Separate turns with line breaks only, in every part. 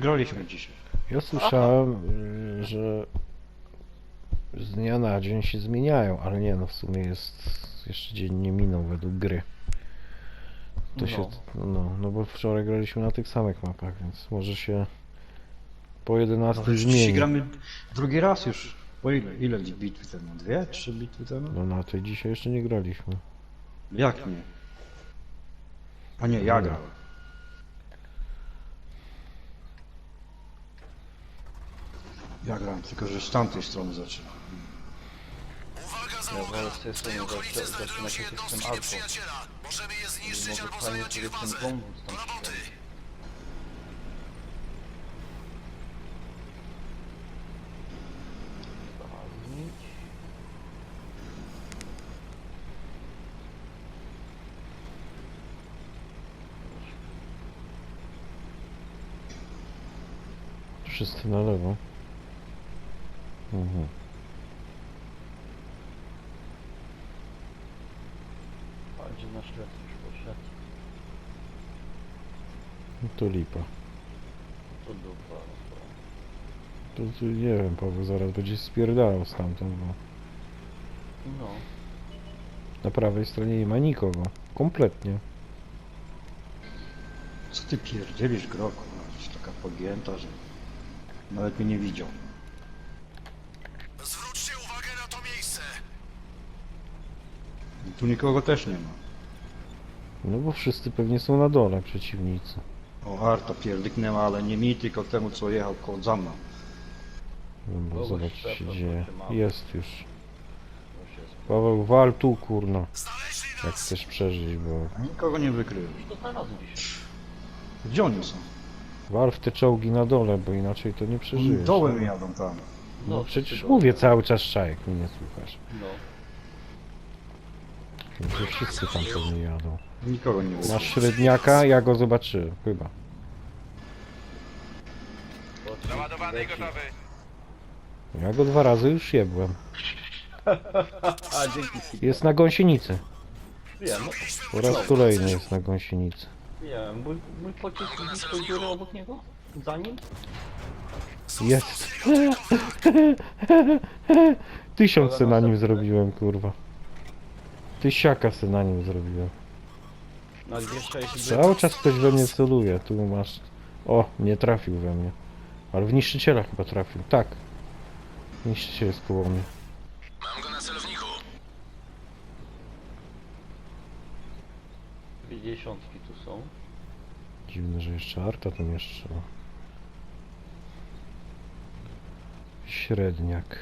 graliśmy dzisiaj.
Ja słyszałem, że z dnia na dzień się zmieniają, ale nie, no w sumie jest jeszcze dzień nie minął według gry. To
No.
się, no bo wczoraj graliśmy na tych samych mapach, więc może się po 11
No, dzisiaj
zmieni.
gramy drugi raz już. Po ile bitwy temu? 2, 3 bitwy temu?
No na tej dzisiaj jeszcze nie graliśmy.
Jak nie? A nie, ja grałem. Ja grałem, tylko że z tamtej strony zaczynam.
Ja wolę z tej strony zaczynać jak jestem alfą. Może fajnie sobie ten wąwóz tam strzelić. Sprawdzić.
Wszyscy na lewo. Mhm.
A gdzie nasz lec już poszedł?
No to lipa.
To dupa.
To nie wiem, Paweł zaraz będzie spierdalał stamtąd, bo
No.
na prawej stronie nie ma nikogo. Kompletnie.
Co ty pierdzielisz, Groku? Jesteś taka pogięta, że nawet mnie nie widział.
Zwróćcie uwagę na to miejsce!
I tu nikogo też nie ma.
No bo wszyscy pewnie są na dole, przeciwnicy.
O, Arta pierdyknęła, ale nie mi, tylko temu, co jechał koło za mną.
No bo
Kogoś
zobacz, co się
trzeba,
dzieje.
to się ma.
Jest już.
Już jest.
Paweł, wal tu, kurno.
Znaleźli
Jak
nas!
chcesz przeżyć, bo...
A nikogo nie wykryłem.
To zaraz gdzieś.
Gdzie oni są?
Wal w te czołgi na dole, bo inaczej to nie przeżyjesz.
Dołem jadą tam.
No
to
przecież
ty
mówię cały czas Czajek, mnie nie słuchasz.
No.
Że wszyscy tam pewnie jadą.
Nikogo nie wykryłem.
Masz średniaka, ja go zobaczyłem, chyba.
Naładowany i gotowy!
Ja go 2 razy już jebłem.
A dzięki.
Jest na gąsienicy.
Wiem, no.
Po raz kolejny jest na gąsienicy.
Wiem. Mój pocisk blisko dziury obok niego? Za nim?
Jest. 1000 se na nim zrobiłem, kurwa. Tysiaka se na nim zrobiłem.
Na 260.
Cały czas ktoś we mnie celuje, tu masz... O, nie trafił we mnie. Ale w niszczyciela chyba trafił, tak. Niszczyciel jest koło mnie.
Mam go na celowniku!
50 tu są.
Dziwne, że jeszcze Arta tam jeszcze. Średniak.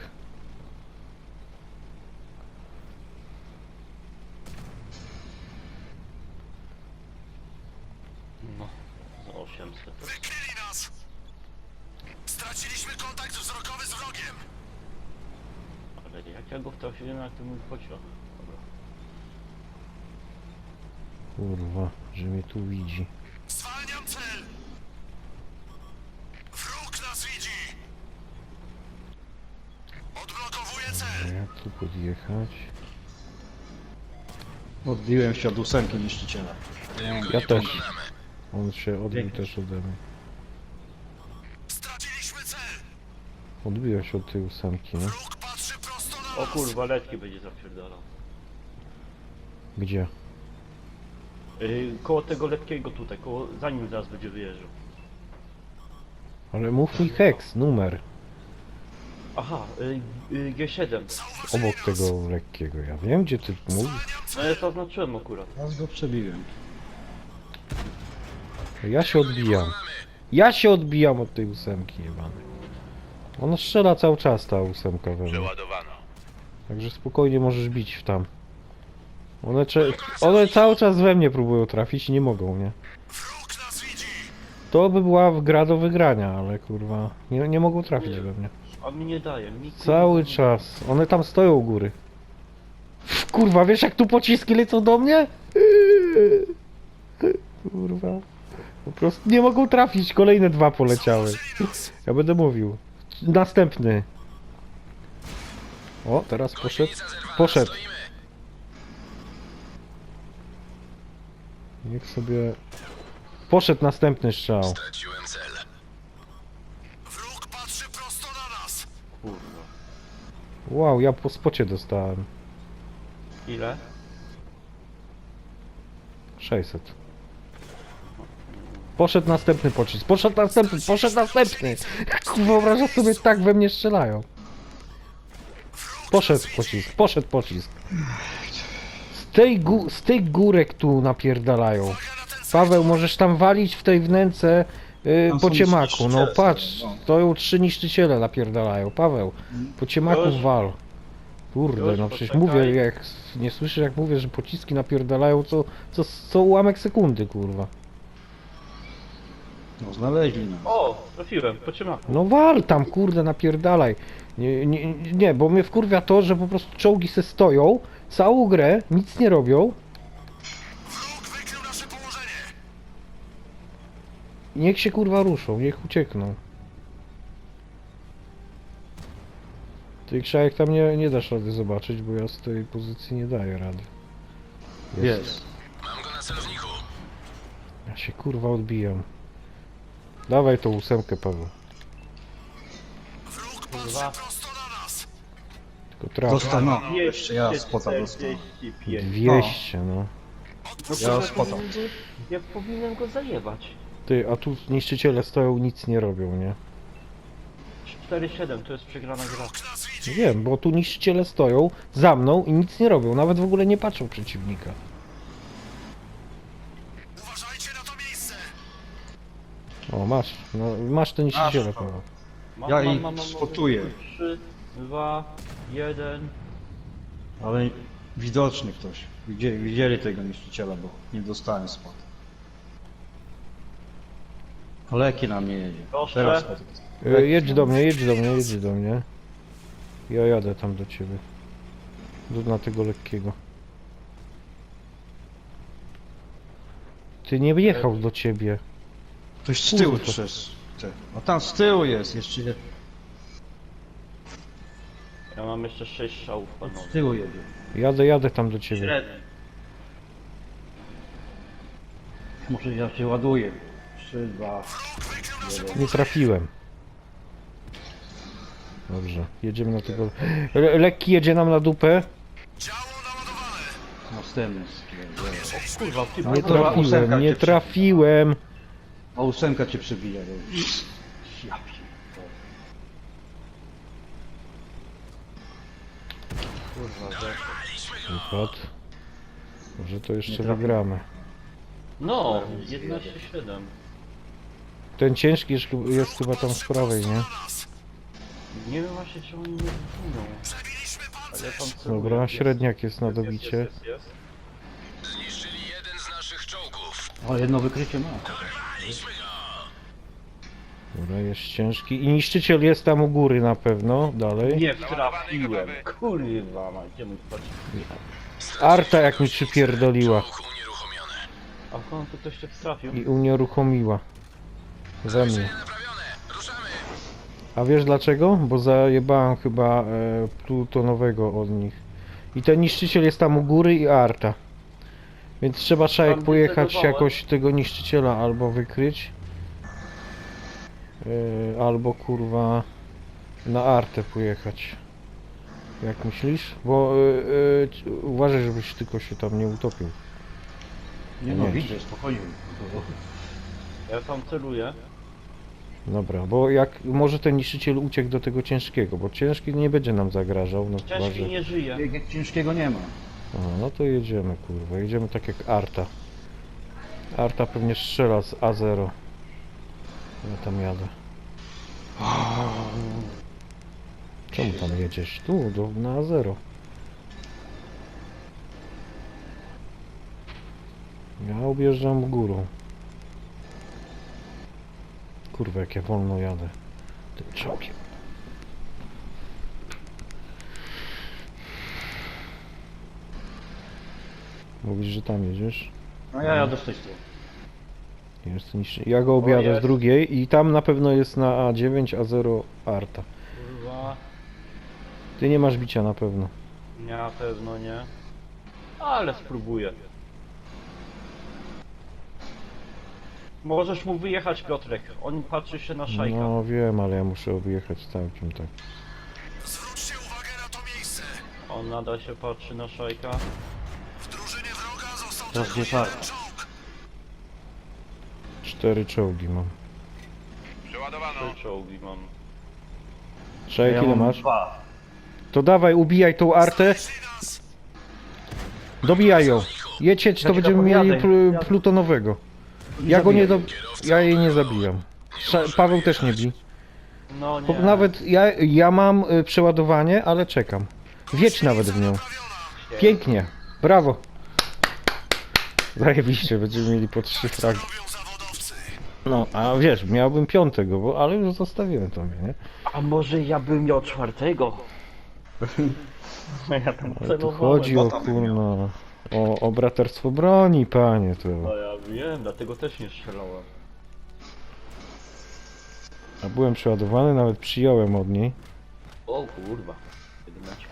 No. Za 800.
Wykryli nas! Straciliśmy kontakt wzrokowy z wrogiem!
Ale jak ja go wtrafiłem, jak to mój pociąg. Dobra.
Kurwa, że mnie tu widzi.
Zwalniam cel! Wróg nas widzi! Odblokowuję cel!
Jak tu podjechać?
Odbiłem się od 8 niszczyciela.
Ja też. On się odbił też ode mnie.
Straciliśmy cel!
Odbiła się od tej 8, nie?
Wróg patrzy prosto na
O
nas!
kurwa, letki będzie zapierdalał.
Gdzie?
Koło tego letkiego tutaj, zanim zaraz będzie wyjeżdżał.
Ale mów mi heks, numer.
Aha, G7.
Obok tego lekkiego. Ja wiem, gdzie ty mówisz.
No ja zaznaczyłem akurat.
Raz go przebiłem.
Ja się odbijam. Ja się odbijam od tej 8 jebanej. Ona strzela cały czas, ta 8 we mnie.
Przeładowano.
Także spokojnie możesz bić w tam. One cały czas we mnie próbują trafić i nie mogą, nie?
Wróg nas widzi!
To by była gra do wygrania, ale kurwa, nie mogą trafić we mnie.
A mi nie daje, mi
Cały czas. One tam stoją u góry. Kurwa, wiesz jak tu pociski lecą do mnie? Kurwa. Po prostu nie mogą trafić. Kolejne 2 poleciały. Ja będę mówił. Następny. O, teraz poszedł. Poszedł. Niech sobie... Poszedł następny strzał.
Straciłem cel.
Kurwa.
Wow, ja po spocie dostałem.
Ile?
600. Poszedł następny pocisk, poszedł następny! Wyobrażasz sobie, tak we mnie strzelają. Poszedł pocisk. Z tych górek tu napierdalają. Paweł, możesz tam walić w tej wnęce
Tam
po
są
ciemaku. No
niszczyciele
patrz,
są, no.
stoją 3 niszczyciele napierdalają. Paweł, po ciemaku
Już.
wal. Kurde,
Już,
no przecież
poczekaj.
mówię, jak nie słyszysz jak mówię, że pociski napierdalają co ułamek sekundy, kurwa.
No znaleźli nas.
O, trafiłem, po ciemaku.
No wal tam, kurde, napierdalaj. Nie, bo mnie wkurwia to, że po prostu czołgi se stoją, całą grę, nic nie robią.
Wróg wykrył nasze położenie.
Niech się kurwa ruszą, niech uciekną. Ty Krzajek tam nie dasz rady zobaczyć, bo ja z tej pozycji nie daję rady.
Jest.
Mam go na celowniku.
Ja się kurwa odbijam. Dawaj tą 8, Paweł.
Wróg patrzy prosto na nas.
Tylko traf.
Dostał, no. Jeszcze ja spota dostałem.
200, no.
Ja spota.
Ja powinienem go zajebać.
Ty, a tu niszczyciele stoją, nic nie robią, nie?
4-7 to jest przegrana gra.
Wróg nas widzi.
Wiem, bo tu niszczyciele stoją za mną i nic nie robią, nawet w ogóle nie patrzą przeciwnika.
Uważajcie na to miejsce.
O, masz te niszczyciele,
Masz,
Paweł.
Ja ich spotuję.
3, 2, 1.
Ale widoczny ktoś. Widzieli tego niszczyciela, bo nie dostałem spot. Leki na mnie jedzie.
Proszę.
Teraz
Jedź do mnie. Ja jadę tam do ciebie. Na tego lekkiego. Ty nie jechał do ciebie.
Ktoś z tyłu
Kurwa.
przez te. A tam z tyłu jest, jeszcze
Ja mam jeszcze 6 strzałów, panowie.
z tyłu jedzie.
Jadę tam do ciebie.
Średni.
Może ja się ładuję. 3, 2,
Nie trafiłem. Dobrze, jedziemy na tego... Lekki jedzie nam na dupę.
Działo naładowane.
następny stwierdzenie.
Kurwa, ty
Nie
Kurwa,
trafiłem,
ósemka
nie
cię
trafiłem.
A 8 cię przebija. Ja pierdolę.
kurwa, że...
Wypad. Może to jeszcze
trafiłem.
wygramy.
No, 11-7.
Ten ciężki jest chyba tam z prawej, nie?
Nie wiem właśnie, czy oni nie zginą.
Przebiliśmy pancerz.
Ale tam celuję.
Dobra,
Jest,
średniak jest na
jest,
dobicie.
jest.
Zniszczyli jeden z naszych czołgów.
O, jedno wykrycie ma.
Dobra, jest ciężki. I niszczyciel jest tam u góry na pewno, dalej.
Nie trafiłem. Kurwa, ma gdzie mój patrz.
Arta jak mi przypierdoliła
Czołg unieruchomiony.
A w końcu ktoś się trafił.
i unieruchomiła. Ze mnie.
Naprawione. Ruszamy.
A wiesz dlaczego? Bo zajebałem chyba plutonowego od nich. I ten niszczyciel jest tam u góry i Arta. Więc trzeba Szajek
Tam
pojechać
zdecydowałem.
jakoś tego niszczyciela albo wykryć. Albo kurwa na Artę pojechać. Jak myślisz? Bo uważaj, żebyś tylko się tam nie utopił.
Nie no, widzę, spokojnie.
Ja tam celuję.
Dobra, bo jak może ten niszczyciel uciekł do tego ciężkiego, bo ciężki nie będzie nam zagrażał, no chyba,
Ciężki
że...
nie żyje.
Jak ciężkiego nie ma.
A, no to jedziemy, kurwa, jedziemy tak jak Arta. Arta pewnie strzela z A0. Ja tam jadę. Czemu tam jedziesz? Tu, na A0. Ja objeżdżam górą. Kurwa, jak ja wolno jadę. Tym czołgiem. Mówisz, że tam jedziesz?
No ja jadę z tej strony.
Jest niż... Ja go objadę z
jest.
drugiej i tam na pewno jest na A9, A0 Arta.
Kurwa.
Ty nie masz bicia na pewno.
Nie, na pewno nie. Ale spróbuję. Możesz mu wyjechać, Piotrek. On patrzy się na Szajka.
No wiem, ale ja muszę objechać całkiem tak.
On nadal się patrzy na szajka.
Teraz gdzie tak?
4 czołgi mam.
Trzy czołgi mam.
Szajek, ile
mam
masz?
2.
To dawaj, ubijaj tą artę. Dobijaj ją. Jedź, to
ci
będziemy
tam
mieli
jadę.
plutonowego. Ja go nie ja jej nie zabijam. Paweł też nie bij.
No
Bo
nie.
nawet ja mam przeładowanie, ale czekam. Wiedź nawet w nią. Pięknie. Brawo. Zajebiście, będziemy mieli po 3 fragi. No, a wiesz, miałbym 5, ale już zostawiłem tobie, nie?
A może ja bym miał 4? Ja tam
Ale tu
celowałem.
chodzi o kurno. O braterstwo broni, panie, to.
No ja wiem, dlatego też nie strzelałem.
A byłem przeładowany, nawet przyjąłem od niej.
O kurwa. 11.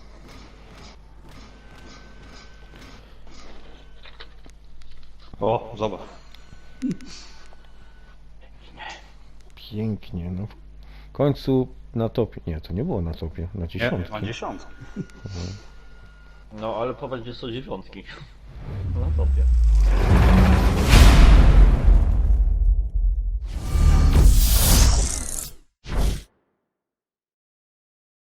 O, zobacz.
Pięknie, no. W końcu na topie. Nie, to nie było na topie, na 10.
Ma 10.
No ale popatrz, gdzie są 9. Na topie.